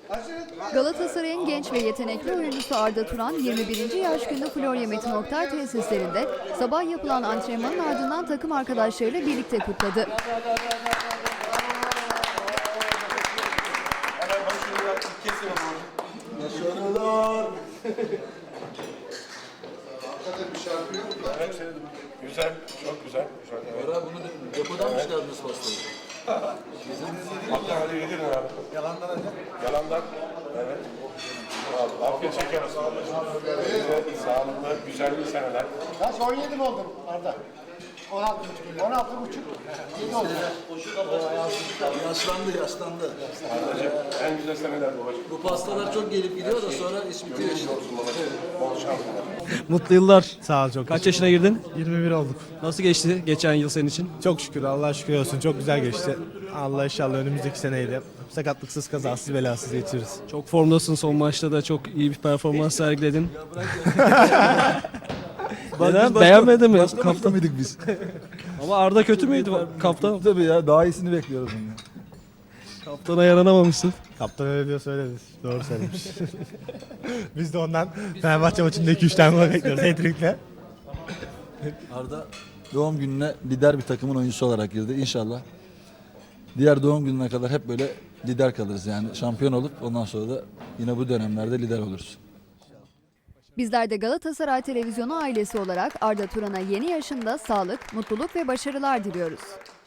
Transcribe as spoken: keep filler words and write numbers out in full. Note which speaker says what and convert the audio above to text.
Speaker 1: Galatasaray'ın genç ve yetenekli oyuncusu Arda Turan yirmi birinci yaş günü Florya Metin Oktay tesislerinde sabah yapılan antrenmanın ardından takım arkadaşlarıyla birlikte kutladı.
Speaker 2: Güzel, çok güzel.
Speaker 3: Öyle bunu depodan mı çıkardınız pastayı?
Speaker 2: Hatta hadi yedirin abi. Yalandan hadi. Yalandan. Evet. Abi, afiyet şeker olsun. Size sağlıklı, güzel bir seneler.
Speaker 4: Kaç on yedi mi oldun Arda? on altı buçuk. on altı buçuk. yedi oldu.
Speaker 3: Yaşlandı, yaşlandı.
Speaker 2: Ardacığım, en güzel seneler babacığım.
Speaker 3: Bu pastalar çok gelip gidiyor da sonra iş bitiyor işte.
Speaker 2: Bol şanslar.
Speaker 5: Mutlu yıllar.
Speaker 6: Sağ ol çok.
Speaker 5: Kaç yaşına girdin?
Speaker 6: yirmi bir olduk.
Speaker 5: Nasıl geçti geçen yıl senin için?
Speaker 6: Çok şükür Allah'a şükür olsun. Çok güzel geçti. Allah inşallah önümüzdeki seneyi de sakatlıksız kazasız belasız geçiririz.
Speaker 5: Çok formdasın, son maçta da çok iyi bir performans sergiledin. Neden? Beğenmedin mi? Kaptan
Speaker 7: mıydık biz?
Speaker 5: Ama Arda kötü müydü kaptan?
Speaker 7: Tabii ya daha iyisini bekliyoruz ondan.
Speaker 5: Kaptana yaranamamışsın.
Speaker 6: Kaptan öyle diyor söyleriz. Doğru söylemiş. Biz de ondan Fenerbahçe maçında iki üç tane gol bekliyoruz. Hat-trick'le.
Speaker 3: Arda doğum gününe lider bir takımın oyuncusu olarak girdi. İnşallah diğer doğum gününe kadar hep böyle lider kalırız yani. Şampiyon olup ondan sonra da yine bu dönemlerde lider oluruz.
Speaker 1: Bizler de Galatasaray Televizyonu ailesi olarak Arda Turan'a yeni yaşında sağlık, mutluluk ve başarılar diliyoruz.